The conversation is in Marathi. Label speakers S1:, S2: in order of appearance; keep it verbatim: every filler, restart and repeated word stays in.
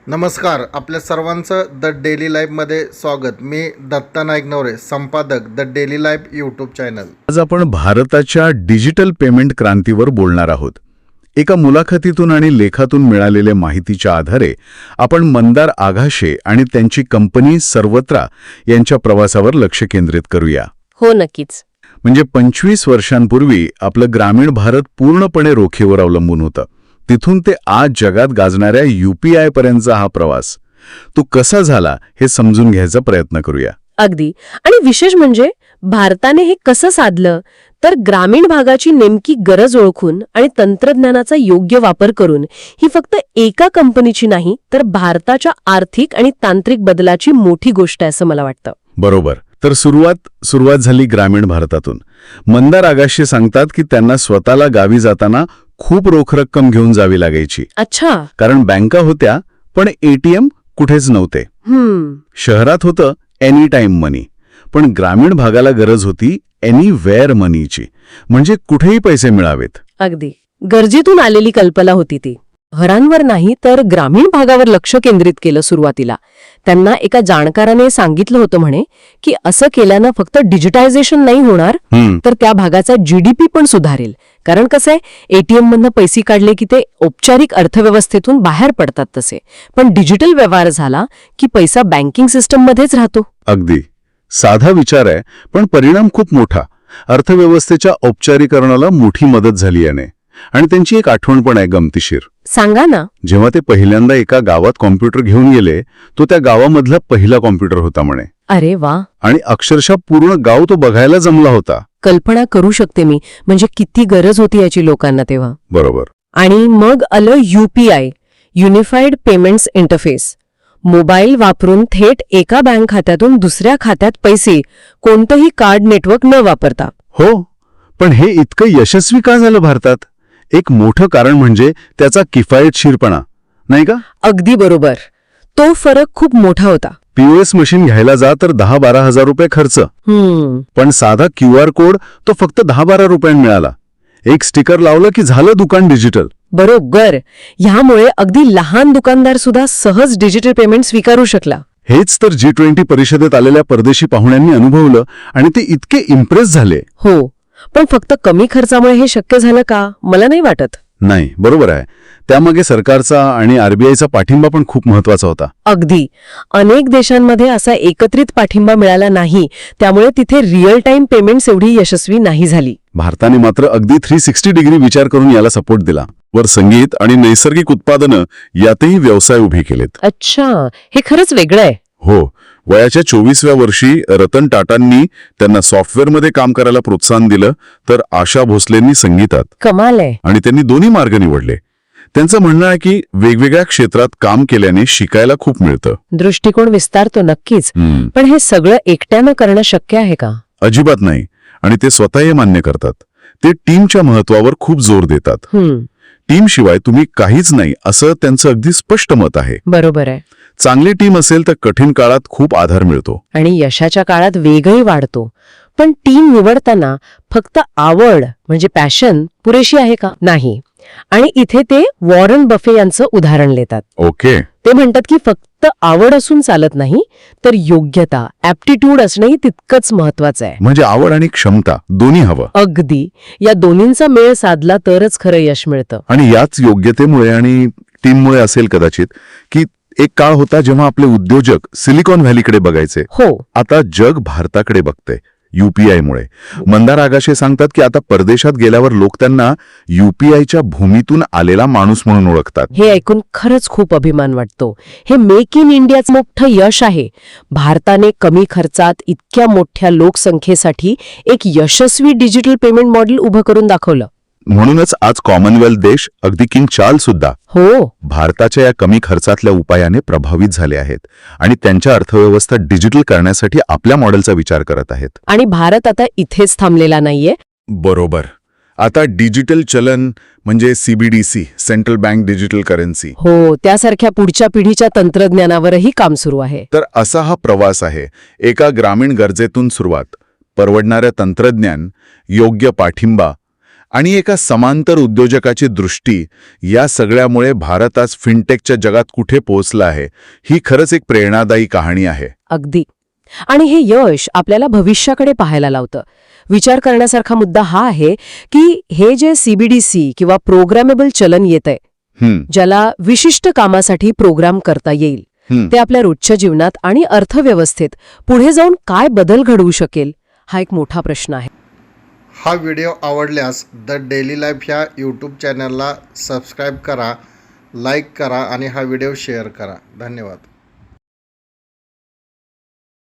S1: नमस्कार, आपल्या सर्वांचं द डेली लाईफमध्ये स्वागत. मी दत्ता नाईक नवरे, संपादक the daily life YouTube channel.
S2: आज आपण भारताच्या डिजिटल पेमेंट क्रांतीवर बोलणार आहोत. एका मुलाखतीतून आणि लेखातून मिळालेल्या माहितीच्या आधारे आपण मंदार आघाशे आणि त्यांची कंपनी सर्वत्रा यांच्या प्रवासावर लक्ष केंद्रित करूया.
S3: हो, नक्कीच.
S2: म्हणजे पंचवीस वर्षांपूर्वी आपलं ग्रामीण भारत पूर्णपणे रोखीवर अवलंबून होतं. तिथून ते आज जगात गाजणाऱ्या यूपीआय पर्यंतचा हा प्रवास तो कसा झाला हे समजून घ्यायचा प्रयत्न करूया.
S3: अगदी. आणि विशेष म्हणजे भारताने हे कसं साधलं तर ग्रामीण भागाची नेमकी गरज ओळखून आणि तंत्रज्ञानाचा योग्य वापर करून ही फक्त एका कंपनीची नाही तर भारताच्या आर्थिक आणि तांत्रिक बदलाची मोठी गोष्ट आहे असं मला वाटतं.
S2: बरोबर. तर सुरुवात सुरुवात झाली ग्रामीण भारतातून. मंदार आघाशे सांगतात की त्यांना स्वतःला गावी जाताना खूप रोख रक्कम घेऊन जावी लागायची.
S3: अच्छा.
S2: कारण बँका होत्या पण एटीएम कुठेच नव्हते.
S3: हम्म
S2: शहरात होतं एनी टाइम मनी, पण ग्रामीण भागाला गरज होती एनी वेअर मनीची, म्हणजे कुठेही पैसे मिळावेत.
S3: अगदी गरजेतून आलेली कल्पना होती ती. शहरांवर नाही तर ग्रामीण भागावर लक्ष केंद्रित केलं सुरुवातीला. त्यांना एका जाणकाराने सांगितलं होतं म्हणे की असं केल्यानं फक्त डिजिटायझेशन नाही होणार तर त्या भागाचा जीडीपी पण सुधारेल. कारण कसं आहे, एटीएम मधनं पैसे काढले की ते औपचारिक अर्थव्यवस्थेतून बाहेर पडतात तसे, पण डिजिटल व्यवहार झाला की पैसा बँकिंग सिस्टममध्येच राहतो.
S2: अगदी साधा विचार आहे पण परिणाम खूप मोठा. अर्थव्यवस्थेच्या औपचारीकरणाला मोठी मदत झाली याने. आणि त्यांची एक आठवण पण आहे गमतीशीर.
S3: सांगा ना.
S2: जेव्हा ते पहिल्यांदा एका गावात कॉम्प्युटर घेऊन गेले तो त्या गावामधला पहिला कॉम्प्युटर होता म्हणे.
S3: अरे वा.
S2: आणि अक्षरशः पूर्ण गाव तो बघायला जमला होता.
S3: कल्पना करू शकते मी, म्हणजे किती गरज होती याची लोकांना तेव्हा.
S2: बरोबर.
S3: आणि मग आलं UPI, unified payments interface. Mobile वापरून थेट एका बँक खात्यातून दुसऱ्या खात्यात पैसे कोणतंही कार्ड नेटवर्क न वापरता.
S2: हो, पण हे इतकं यशस्वी का झालं भारतात? एक मोठं कारण म्हणजे त्याचा किफायतशीरपणा, नाही का?
S3: अगदी बरोबर. तो फरक खूप मोठा होता.
S2: पीओएस मशीन घ्यायला जा तर दहा बारा हजार रुपये खर्च,
S3: हम्म
S2: पण साधा क्यूआर कोड तो फक्त दहा बारा रुपयांनी मिळाला. एक स्टिकर लावलं की झालं दुकान डिजिटल.
S3: बरोबर. ह्यामुळे अगदी लहान दुकानदार सुद्धा सहज डिजिटल पेमेंट स्वीकारू शकला.
S2: हेच तर जी ट्वेंटी परिषदेत आलेल्या परदेशी पाहुण्यांनी अनुभवलं आणि ते इतके इम्प्रेस झाले.
S3: हो, पण फक्त कमी खर्चामुळे हे शक्य झालं का? मला नाही वाटत.
S2: नाही, बरोबर आहे. त्यामागे सरकारचा आणि आरबीआयचा पाठिंबा पण खूप महत्वाचा होता.
S3: अगदी. अनेक देशांमध्ये असा एकत्रित पाठिंबा मिळाला नाही, त्यामुळे तिथे रिअल टाइम पेमेंट्स एवढी यशस्वी नाही झाली.
S2: भारताने मात्र अगदी थ्री सिक्स्टी डिग्री विचार करून याला सपोर्ट दिला. वर संगीत आणि नैसर्गिक उत्पादनं यातही व्यवसाय उभे केलेत.
S3: अच्छा, हे खरंच वेगळं आहे.
S2: हो. वयाच्या चोवीसव्या वर्षी रतन टाटांनी त्यांना सॉफ्टवेअरमध्ये काम करायला प्रोत्साहन दिलं, तर आशा भोसलेंनी संगीतात.
S3: कमाल आहे.
S2: आणि त्यांनी दोन्ही मार्ग निवडले. त्यांचं म्हणणं आहे की वेगवेगळ्या क्षेत्रात काम केल्याने शिकायला खूप मिळतं.
S3: दृष्टिकोन विस्तारतो नक्कीच. पण हे सगळं एकट्यानं करणं शक्य आहे का?
S2: अजिबात नाही. आणि ते स्वतः हे मान्य करतात. ते टीमच्या महत्वावर खूप जोर देतात. टीमशिवाय तुम्ही काहीच नाही असं त्यांचं अगदी स्पष्ट मत आहे.
S3: बरोबर आहे.
S2: चांगली टीम असेल तर कठीण काळात खूप आधार मिळतो
S3: आणि यशाच्या काळात वेगही वाढतो. पण टीम निवडताना फक्त आवड म्हणजे पॅशन पुरेशी आहे का? नाही. आणि इथे ते वॉरन बफे यांचं उदाहरण देतात.
S2: ओके.
S3: ते म्हणतात की फक्त आवड असून चालत नाही, तर योग्यता, ॲप्टिट्यूड असणंही तितकंच महत्वाचं आहे.
S2: म्हणजे आवड आणि क्षमता दोन्ही हवं.
S3: अगदी. या दोन्हींचा मेळ साधला तरच खरं यश मिळतं.
S2: आणि याच योग्यतेमुळे आणि टीममुळे असेल कदाचित की एक काळ होता जेव्हा आपले उद्योजक सिलिकॉन व्हॅलीकडे बघायचे.
S3: हो. आता
S2: जग भारताकडे बघते यूपीआयमुळे. मंदार आघाशे सांगतात की आता परदेशात गेल्यावर लोक त्यांना यूपीआयच्या भूमीतून आलेला माणूस म्हणून ओळखतात.
S3: हे ऐकून खरंच खूप अभिमान वाटतो. हे मेक इन इंडियाचं मोठं यश आहे. भारताने कमी खर्चात इतक्या मोठ्या लोकसंख्येसाठी एक यशस्वी डिजिटल पेमेंट मॉडेल उभं करून दाखवलं.
S2: म्हणूनच आज कॉमनवेल्थ देश, अगदी किंग चार्ल्स सुद्धा
S3: हो
S2: भारताच्या या कमी खर्चातल्या उपायाने प्रभावित झाले आहेत आणि त्यांच्या अर्थव्यवस्था डिजिटल करण्यासाठी आपल्या मॉडेलचा विचार करत आहेत.
S3: आणि भारत आता इथेच थांबलेला नाहीये.
S2: बरोबर. आता डिजिटल चलन म्हणजे CBDC, central bank digital currency.
S3: हो, त्यासारख्या पुढच्या पिढीच्या तंत्रज्ञानावरही काम सुरू आहे.
S2: तर असा हा प्रवास आहे. एका ग्रामीण गरजेतून सुरुवात, परवडणाऱ्या तंत्रज्ञान, योग्य पाठिंबा आणि एका समांतर उद्योजकाची दृष्टी, या सगळ्यामुळे भारत आज फिनटेकच्या जगात कुठे पोहोचला आहे, ही खरंच एक प्रेरणादायी कहाणी आहे.
S3: अगदी. आणि हे यश आपल्याला भविष्याकडे पाहायला लावतं. विचार करण्यासारखा मुद्दा हा आहे की हे जे सीबीडीसी किंवा प्रोग्रामेबल चलन येतंय,
S2: हं,
S3: ज्याला विशिष्ट कामासाठी प्रोग्राम करता येईल,
S2: हं.
S3: ते आपल्या रोजच्या जीवनात आणि अर्थव्यवस्थेत पुढे जाऊन काय बदल घडवू शकेल, हा एक मोठा प्रश्न आहे.
S1: हा व्हिडिओ आवडल्यास द डेली लाईफ ह्या यूट्यूब चॅनलला सबस्क्राईब करा, लाईक करा आणि हा व्हिडिओ शेअर करा. धन्यवाद.